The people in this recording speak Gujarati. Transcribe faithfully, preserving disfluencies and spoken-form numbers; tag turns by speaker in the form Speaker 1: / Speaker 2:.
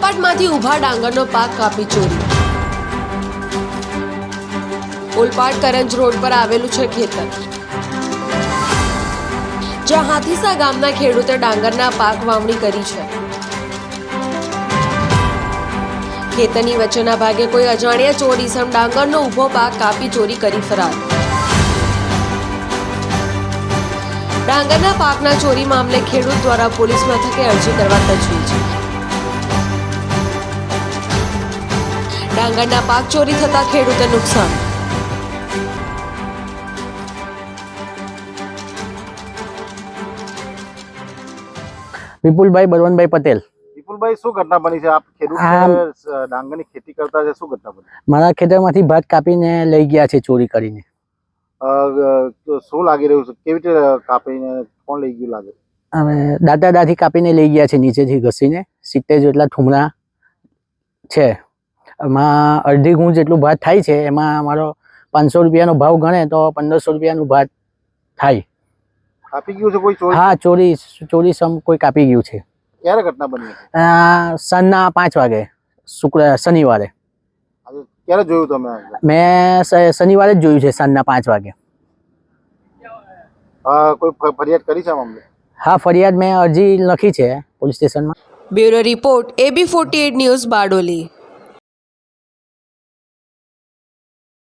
Speaker 1: ઓલપાડમાંથી ઊભા ડાંગરનો પાક કાપી ચોરી। ઓલપાડ કરંજ રોડ પર આવેલું છે ખેતર, જ્યાં હાથીસા ગામના ખેડૂતે ડાંગરના પાક વાવણી કરી છે। ખેતરની વચ્ચેના ભાગે કોઈ અજાણ્યા ચોર ઈસમ ડાંગરનો ઊભો પાક કાપી ચોરી કરી ફરાર। ડાંગરના પાકના ચોરી મામલે ખેડૂત દ્વારા પોલીસ મથકે અરજી કરવા તજવીજ। ડાંગરના પાક ચોરી થતા ખેડૂતને નુકસાન।
Speaker 2: વિપુલભાઈ બળવંતભાઈ પટેલ।
Speaker 3: વિપુલભાઈ, શું ઘટના બની છે? આપ ખેડૂત ડાંગરની ખેતી કરતા છે, શું ઘટના બની?
Speaker 2: મારા ખેતરમાંથી ભાત કાપીને લઈ ગયા છે ચોરી કરીને।
Speaker 3: શું લાગી રહ્યું છે? કેવી રીતે કાપીને કોણ લઈ ગયું લાગે?
Speaker 2: હવે દાદા દાદી કાપીને લઈ ગયા છે, નીચેથી ઘસીને સિત્તેર જેટલા ઠુમરા છે। એમાં અડધી ગુણ જેટલું ભાત થાય છે, એમાં અમારો પાંચસો રૂપિયાનો ભાવ ગણે તો પંદરસો રૂપિયાનું ભાત થાય।
Speaker 3: કાપી ગયું છે કોઈ ચોરી?
Speaker 2: હા, ચોરી ચોરી સમ કોઈ કાપી ગયું છે।
Speaker 3: ક્યારે ઘટના બની?
Speaker 2: સાંજના પાંચ વાગે શુક્ર શનિવારે।
Speaker 3: ક્યારે જોયું તમે?
Speaker 2: મેં શનિવારે જ જોયું છે, સાંજના પાંચ વાગે।
Speaker 3: કોઈ ફરિયાદ કરી છે મામલે?
Speaker 2: હા, ફરિયાદ મેં અરજી લખી છે પોલીસ સ્ટેશનમાં।
Speaker 1: Bureau report, AB forty eight news, Bardoli.